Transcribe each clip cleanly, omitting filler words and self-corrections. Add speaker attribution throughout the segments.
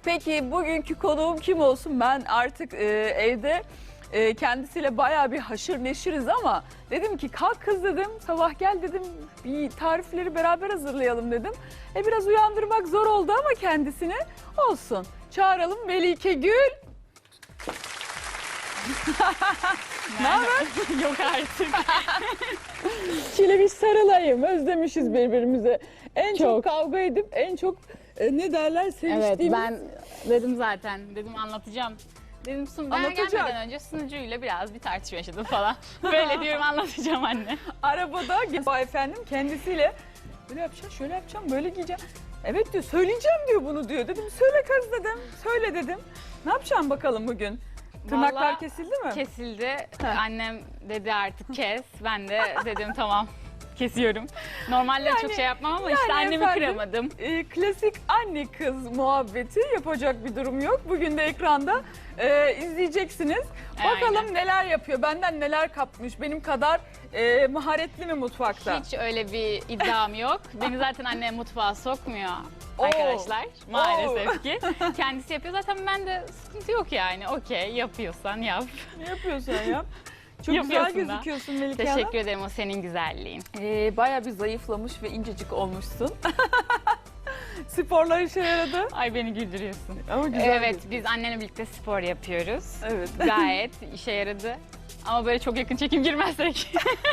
Speaker 1: Peki bugünkü konuğum kim olsun? Ben artık evde kendisiyle bayağı bir haşır neşiriz ama dedim ki kalk kız dedim, sabah gel dedim, bir tarifleri beraber hazırlayalım dedim. Biraz uyandırmak zor oldu ama kendisini olsun. Çağıralım Melike Gül. Ne haber?
Speaker 2: Yok artık.
Speaker 1: Şöyle bir sarılayım, özlemişiz birbirimize. En çok kavga edip en çok ne derler seviştiğimiz.
Speaker 2: Evet, ben dedim zaten. Dedim anlatacağım. Dedim ben
Speaker 1: Anlatacak.
Speaker 2: gelmeden önce sunucuyla biraz bir tartışma yaşadım falan. Böyle diyorum, anlatacağım anne.
Speaker 1: Arabada efendim kendisiyle böyle yapacağım, şöyle yapacağım, böyle giyeceğim. Evet diyor, söyleyeceğim diyor bunu diyor. Dedim söyle kız dedim, söyle dedim. Ne yapacağım bakalım bugün? Tırnaklar
Speaker 2: Vallahi
Speaker 1: kesildi mi?
Speaker 2: Kesildi. Annem dedi artık kes. Ben de dedim tamam, kesiyorum. Normalde çok şey yapmam ama işte annemi
Speaker 1: efendim,
Speaker 2: kıramadım.
Speaker 1: Klasik anne kız muhabbeti, yapacak bir durum yok. Bugün de ekranda izleyeceksiniz. Bakalım
Speaker 2: Aynen.
Speaker 1: neler yapıyor, benden neler kapmış, benim kadar maharetli mi mutfakta?
Speaker 2: Hiç öyle bir iddiam yok. Beni zaten annem mutfağa sokmuyor
Speaker 1: Oo.
Speaker 2: arkadaşlar. Maalesef ki. Kendisi yapıyor. Zaten ben de sıkıntı yok yani. Okey, yapıyorsan yap.
Speaker 1: Ne yapıyorsun ya? Çok güzel
Speaker 2: Yapıyorsun da.
Speaker 1: gözüküyorsun Melike Hanım.
Speaker 2: Teşekkür ederim, o senin güzelliğin.
Speaker 1: Bayağı bir zayıflamış ve incecik olmuşsun. Sporlar işe yaradı.
Speaker 2: Ay, beni güldürüyorsun.
Speaker 1: Ama güzel
Speaker 2: Evet,
Speaker 1: gözüküyor.
Speaker 2: biz annenle birlikte spor yapıyoruz.
Speaker 1: Evet.
Speaker 2: Gayet işe yaradı. Ama böyle çok yakın çekim girmezsek.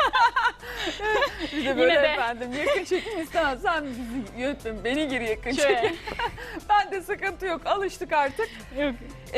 Speaker 1: Bir de böyle
Speaker 2: Yine de.
Speaker 1: efendim yakın çekim istemem. Sen bizi yönetme, beni gir yakın
Speaker 2: Şöyle.
Speaker 1: çekim. Ben de sıkıntı yok, alıştık artık.
Speaker 2: Yok.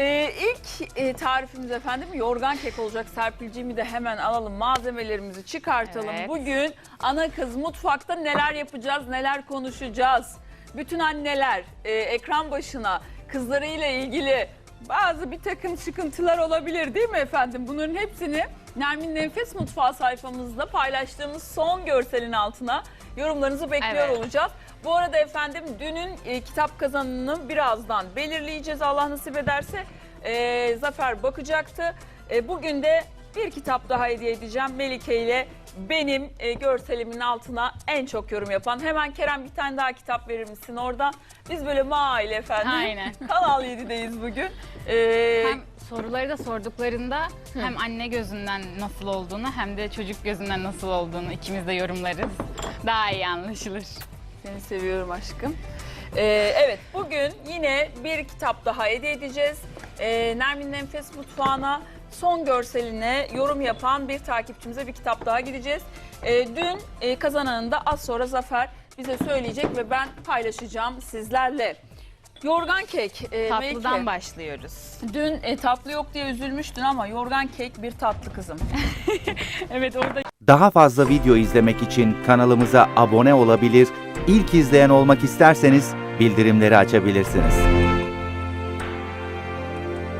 Speaker 1: İlk tarifimiz efendim yorgan kek olacak. Serpilciğimi de hemen alalım, malzemelerimizi çıkartalım.
Speaker 2: Evet.
Speaker 1: Bugün ana kız mutfakta neler yapacağız, neler konuşacağız. Bütün anneler ekran başına kızlarıyla ilgili bazı bir takım sıkıntılar olabilir değil mi efendim? Bunların hepsini Nermin Nefes Mutfağı sayfamızda paylaştığımız son görselin altına yorumlarınızı bekliyor
Speaker 2: Evet.
Speaker 1: olacağız. Bu arada efendim dünün kitap kazanını birazdan belirleyeceğiz, Allah nasip ederse. Zafer bakacaktı. Bugün de bir kitap daha hediye edeceğim Melike ile benim görselimin altına en çok yorum yapan. Hemen Kerem, bir tane daha kitap verir misin oradan? Biz böyle maile efendim.
Speaker 2: Aynen.
Speaker 1: Kanal 7'deyiz bugün.
Speaker 2: Hem soruları da sorduklarında hem anne gözünden nasıl olduğunu hem de çocuk gözünden nasıl olduğunu ikimiz de yorumlarız. Daha iyi anlaşılır.
Speaker 1: Seni seviyorum aşkım. Evet, bugün yine bir kitap daha hediye edeceğiz. Nermin Nefes Mutfağı'na son görseline yorum yapan bir takipçimize bir kitap daha gideceğiz. Dün kazananını da az sonra Zafer bize söyleyecek ve ben paylaşacağım sizlerle. Yorgan kek.
Speaker 2: Tatlıdan
Speaker 1: Melike,
Speaker 2: başlıyoruz.
Speaker 1: dün tatlı yok diye üzülmüştün ama yorgan kek bir tatlı kızım.
Speaker 2: Evet, orada
Speaker 3: Daha fazla video izlemek için kanalımıza abone olabilir, ilk izleyen olmak isterseniz bildirimleri açabilirsiniz.